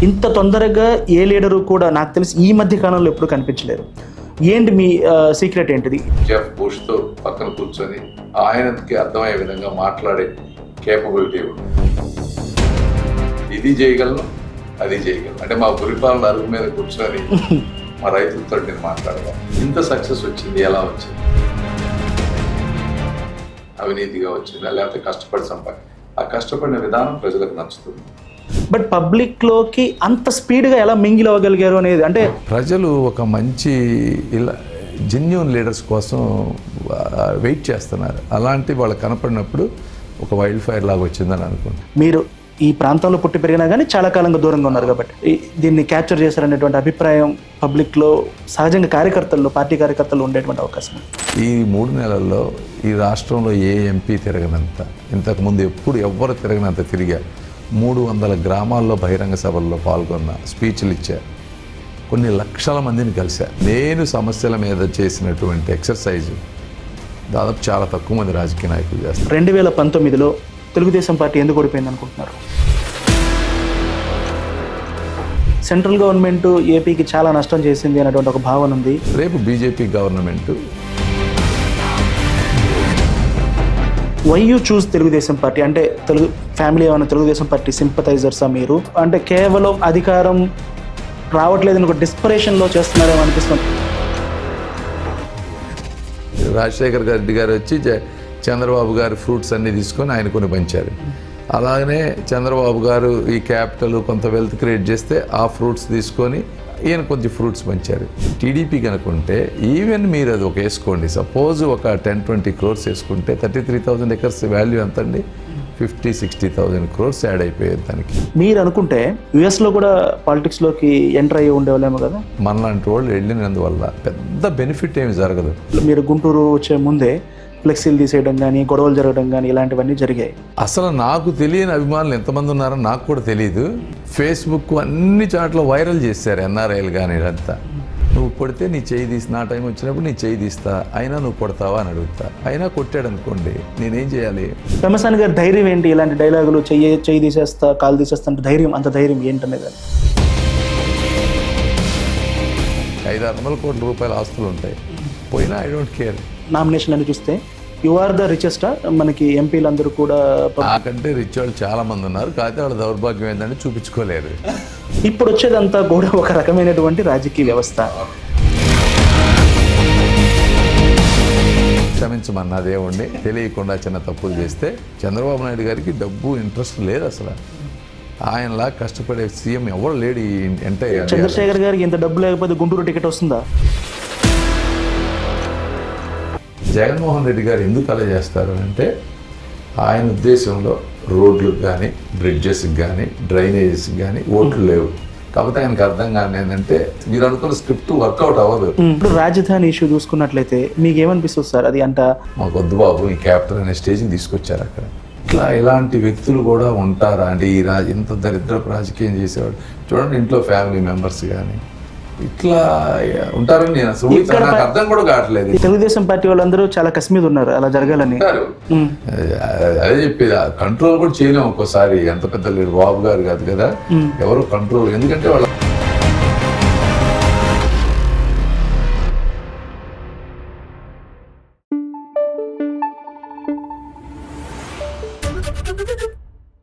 ఇంత తొందరగా ఏ లీడరు కూడా నాకు తెలిసి ఈ మధ్య కాలంలో ఎప్పుడు కనిపించలేరు. ఏంటి మీ సీక్రెట్ ఏంటిది? జెఫ్ బుష్తో పక్కన కూర్చొని ఆయనకి అర్థమయ్యే విధంగా మాట్లాడే కేపబిలిటీ ఉంది. ఇది చేయగలను, అది చేయగలను అంటే మా గురిపాలన అరుగు మీద కూర్చొని మా రైతులతో నేను మాట్లాడగలను. ఇంత సక్సెస్ వచ్చింది ఎలా వచ్చింది? అవినీతిగా వచ్చిందా లేకపోతే కష్టపడి ఆ కష్టపడిన విధానం ప్రజలకు నచ్చుతుంది. బట్ పబ్లిక్లోకి అంత స్పీడ్గా ఎలా మింగిల్ అవ్వగలిగారు అనేది, అంటే ప్రజలు ఒక మంచి ఇలా జెన్యూన్ లీడర్స్ కోసం వెయిట్ చేస్తున్నారు. అలాంటి వాళ్ళు కనపడినప్పుడు ఒక వైల్డ్ ఫైర్ లాగా వచ్చిందని అనుకుంటున్నాను. మీరు ఈ ప్రాంతంలో పుట్టి పెరిగినా కానీ చాలా కాలంగా దూరంగా ఉన్నారు కాబట్టి దీన్ని క్యాప్చర్ చేశారనేటువంటి అభిప్రాయం పబ్లిక్లో సహజంగా కార్యకర్తల్లో, పార్టీ కార్యకర్తల్లో ఉండేటువంటి అవకాశం. ఈ 3 నెలల్లో ఈ రాష్ట్రంలో ఏ ఎంపీ తిరగనంత, ఇంతకుముందు ఎప్పుడు ఎవ్వరు తిరగనంత తిరిగా 300 గ్రామాల్లో బహిరంగ సభల్లో పాల్గొన్న, స్పీచ్లు ఇచ్చా, కొన్ని లక్షల మందిని కలిసా. నేను సమస్యల మీద చేసినటువంటి ఎక్సర్సైజ్ దాదాపు చాలా తక్కువ మంది రాజకీయ నాయకులు చేస్తారు. 2019లో తెలుగుదేశం పార్టీ ఎందుకు ఓడిపోయింది అనుకుంటున్నారు? సెంట్రల్ గవర్నమెంట్ ఏపీకి చాలా నష్టం చేసింది అనేటువంటి ఒక భావన ఉంది. రేపు BJP government. Why you choose Telugu Desam party? అంటే ఫ్యామిలీ ఏమైనా తెలుగుదేశం పార్టీ సింపథైజర్సా మీరు? అంటే కేవలం అధికారం రావట్లేదని ఒక డిస్పరేషన్లో చేస్తున్నారేమో అనిపిస్తుంది. రాజశేఖర్ రెడ్డి గారు వచ్చి చంద్రబాబు గారు ఫ్రూట్స్ అన్నీ తీసుకొని ఆయన కొన్ని పంచారు. అలాగనే చంద్రబాబు గారు ఈ క్యాపిటల్ కొంత వెల్త్ క్రియేట్ చేస్తే ఆ ఫ్రూట్స్ తీసుకొని ఈయన కొంచెం ఫ్రూట్స్ పంచారు. టీడీపీ కనుకుంటే ఈవెన్ మీరు అది ఒక వేసుకోండి, సపోజ్ ఒక 10-20 crores వేసుకుంటే 33,000 acres వాల్యూ ఎంత అండి? 50-60,000 crores యాడ్ అయిపోయేది దానికి. మీరు అనుకుంటే యుఎస్లో కూడా పాలిటిక్స్లోకి ఎంటర్ అయ్యి ఉండేవాళ్ళేమో కదా. మనలాంటి వాళ్ళు వెళ్ళినందువల్ల పెద్ద బెనిఫిట్ ఏమి జరగదు. మీరు గుంటూరు వచ్చే ముందే ఫ్లెక్సీలు తీసేయడం కానీ, గొడవలు జరగడం కానీ ఇలాంటివన్నీ జరిగాయి. అసలు నాకు తెలియని అభిమానులు ఎంతమంది ఉన్నారో నాకు కూడా తెలియదు. ఫేస్బుక్ అన్ని చాట్ల వైరల్ చేశారు ఎన్ఆర్ఐలు కానీ. ఇదంతా నువ్వు కొడితే నీ చేయి తీసి, నా టైం వచ్చినప్పుడు నీ చేయి తీస్తా, అయినా నువ్వు కొడతావా అని అడుగుతా. అయినా కొట్టాడు అనుకోండి, నేనేం చేయాలి? పెమ్మసాని గారి ధైర్యం ఏంటి? ఇలాంటి డైలాగులు చెయ్యి తీసేస్తా, కాలు తీసేస్తా అంటే ధైర్యం, అంత ధైర్యం ఏంటనేది. 500-600 కోట్ల రూపాయల ఆస్తులు ఉంటాయి, పోయినా ఐ డోంట్ కేర్. నామినేషన్ అని చూస్తే యు ఆర్ ద రిచెస్ట్. మనకి ఎంపీలందరూ కూడా నాకంటే రిచ్ వాళ్ళు చాలా మంది ఉన్నారు, కాకపోతే వాళ్ళ దౌర్భాగ్యం ఏంటంటే చూపించుకోలేరు. ఇప్పుడు వచ్చేదంతా కూడా ఒక రకమైనటువంటి రాజకీయ వ్యవస్థ. క్షమించమన్నా దేవుణ్ణి, తెలియకుండా చిన్న తప్పులు చేస్తే. చంద్రబాబు నాయుడు గారికి డబ్బు ఇంట్రెస్ట్ లేదు అసలు. ఆయనలా కష్టపడే సీఎం ఎవరు లేడు ఈ ఎంటైర్. చంద్రశేఖర్ గారికి ఇంత డబ్బు లేకపోతే గుంటూరు టికెట్ వస్తుందా? జగన్మోహన్ రెడ్డి గారు ఎందుకు అలా చేస్తారు అంటే, ఆయన ఉద్దేశంలో రోడ్లకు కానీ, బ్రిడ్జెస్కి కానీ, డ్రైనేజెస్కి కానీ ఓట్లు లేవు. కాకపోతే ఆయనకు అర్థం కానీ ఏంటంటే, మీరు అనుకున్న స్క్రిప్ట్ వర్కౌట్ అవ్వదు. ఇప్పుడు రాజధాని ఇష్యూ చూసుకున్నట్లయితే మీకు ఏమనిపిస్తుంది సార్? అది అంట మాకు వద్దు బాబు, ఈ క్యాపిటల్ అనే స్టేజ్ని తీసుకొచ్చారు అక్కడ. ఇలాంటి వ్యక్తులు కూడా ఉంటారా అంటే, ఈ ఇంత దరిద్రపు రాజకీయం చేసేవాడు చూడండి. ఇంట్లో ఫ్యామిలీ మెంబర్స్ కానీ ఇట్లా ఉంటారని నేను అసలు నాకు అర్థం కూడా కావట్లేదు. తెలుగుదేశం పార్టీ వాళ్ళందరూ చాలా కసి మీద ఉన్నారు అలా జరగాలని. అదే చెప్పేది, కంట్రోల్ కూడా చేయలేము ఒక్కోసారి. ఎంత పెద్ద బాబు గారు కాదు కదా, ఎవరు కంట్రోల్, ఎందుకంటే వాళ్ళ